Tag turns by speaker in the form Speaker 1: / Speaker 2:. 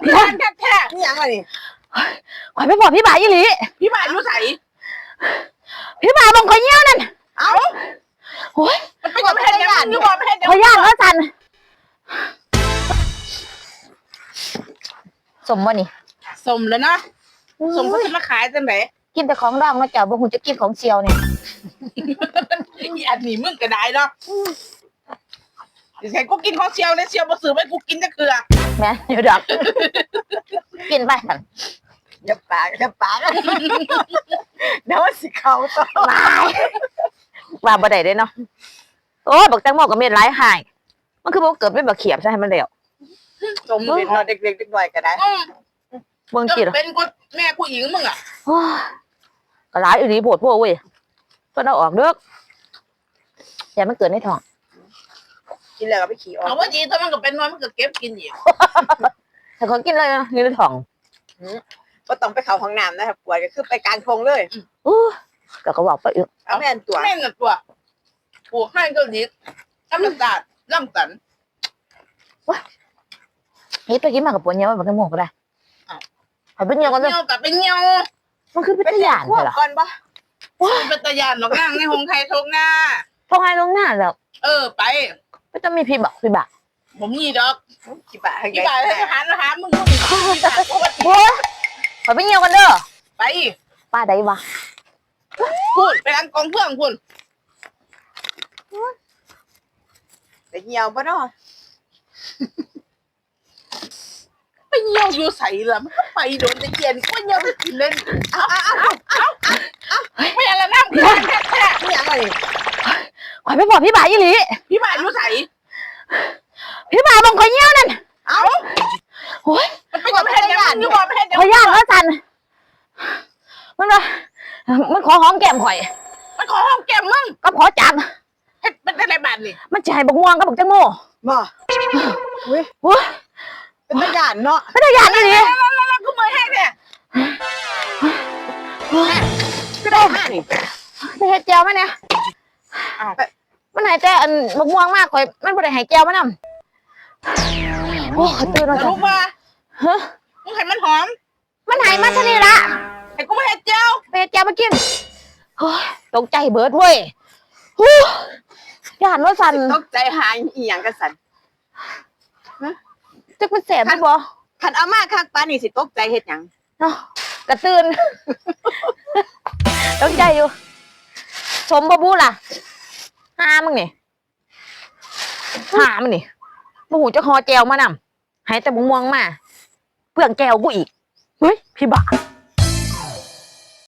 Speaker 1: คือกันแท้นี่ยังไงนี่
Speaker 2: ข่อยไปบอกพี่บ่ายี่หลี
Speaker 1: พี่บ่าอยู่ใส่
Speaker 2: พี่บ่าบังข่อยเงี้ยวนั่น
Speaker 1: เอ้า
Speaker 2: โอ้ย
Speaker 1: มันเป็นยังไงยังอยู่บ่ไม่ให้เดี๋ยว
Speaker 2: ข่อยย่านว่าสันสมบ่นี่
Speaker 1: สมแล้วนะสมเขาจะมาขายจังไหน
Speaker 2: กินแต่ของร่างแล้วเจ้าบ่ฮู้จะกินของเชียวเนี่ย
Speaker 1: อีอันนี้มึงก็ได้เนาะดิฉันกูกินของเชียวเลยเชียวมาซื้อไว้กูกินจะเกลือ
Speaker 2: แม่อยู่ดอกกินไปสั่น
Speaker 1: อย่าปากเดี๋ยวสิเขาต่อ
Speaker 2: ว่าบ่ได้เด้เนาะโอ้บักแตงโมก็เม็ดหลายหายมันคือบ่เกิดเป็นบักเขียบใช่ให้มันแล้ว
Speaker 1: สมเป็นเด็กๆเด็กหน่อยก็ได้
Speaker 2: เบิ่งกิน
Speaker 1: เป็นกูแม่กูหญิงมึงอ่ะ
Speaker 2: ก็หลายอีหลีโพดพวกเว้ยเพิ่นเอาออกเด้ออย่ามันเกิดในท้อง
Speaker 1: กินแล้วก็ไปขี่ออกเอาว่าดีถ้ามันก็เป็นน้อยมันก็เก็บกินอีก
Speaker 2: แต่เขากินเลยนะนี่ในท้อง
Speaker 1: ก็ต้องไปเข้าห้องน้ำนะครับปวดก็คือไปกลางทงเลย
Speaker 2: ก็บอกไปอีก
Speaker 1: เอาแม่นตัวปลูกให้ก็ดีน้ำตาลน้ำตัน
Speaker 2: ว้านี่ไปกินมากับปวดเนี้ยมันก็หมกก็ได้เอาเป็นเงี้ยกันเลย
Speaker 1: เงี้ยกับเป็นเงี้ย
Speaker 2: มันคือเป็นตะยานเหรอ
Speaker 1: ก่อนปะว้าเป็นตะยานหรอกนั่งในห้องไทยทงหน้า
Speaker 2: ทงไงทงหน้าแล้ว
Speaker 1: ไป
Speaker 2: ไม่ต้องมีพี่บัก
Speaker 1: ผมมีดอกกี่บาทให้หามึง
Speaker 2: โอ้ยขอไปเงี้ยกันเด้อ
Speaker 1: ไป
Speaker 2: ป้าได้วะ
Speaker 1: พูดไปร้านกองเพื่อนคุณไปเงี้ยวปะเนาะไปเงี้ยวอยู่ใส่ละมันไปโดนตะเกียนก็เงี้ยวไปกินเล่นไม่อะไรน้ำแค่ไม่อะไร
Speaker 2: ขอไปบอกพี่บ่ายี่หลี
Speaker 1: พี่บ่าอยู่ใส่
Speaker 2: พี่บ่าบังข่อยเงี้ยวนั่น
Speaker 1: เอ้า
Speaker 2: โอ้ย
Speaker 1: มันเป็นยังไงอยู่บ่ไม่ให้เดี๋ยว
Speaker 2: ข่อยย่านว่าสันมันขอหอมแก้มข่อย
Speaker 1: มันขอหอมแก้มมึง
Speaker 2: ก็ขอจับ
Speaker 1: มันเป็นอะไรบ้านนี่
Speaker 2: มันจะให้บักม่วงกับบักแตงโม
Speaker 1: บ่อุ้ยเป็นตะยานเนาะ
Speaker 2: เป็นตะยานนี่
Speaker 1: แล้วกูมือแห้งเนี่ยก็ได้ห้านี่
Speaker 2: ไปเฮ็ดแจวมั้ยเนี่ยมันหายแต่อันบักม่วงมากข่อยมันบ่ได้หายแจวมั้ยนำโอ้ตื่นแล้วจ้ะ
Speaker 1: ลูกมามึงให้มันหอม
Speaker 2: มันหายมาซะนี่ล่ะ
Speaker 1: ให้กูมาเฮ็ดแจว
Speaker 2: ไปเฮ็ดแจวมากินโอ้ยตกใจเบิดเว้ยย่านว่าสั่น
Speaker 1: ตกใจหายอีหยังกันสั่น
Speaker 2: จักมันแสบได้บ่
Speaker 1: คันเอามาคักปานนี่สิตกใจเฮ็ดหยัง
Speaker 2: เนาะกระตื่นตกใจอยู่ชมบ่บูล่ะหามึงนี่หามึงนี่บ่ฮู้จักฮอแจวมานำให้แต่บ่ม่วงมาเปลืองแก้วกูอีกเฮ้ยพี่บ้า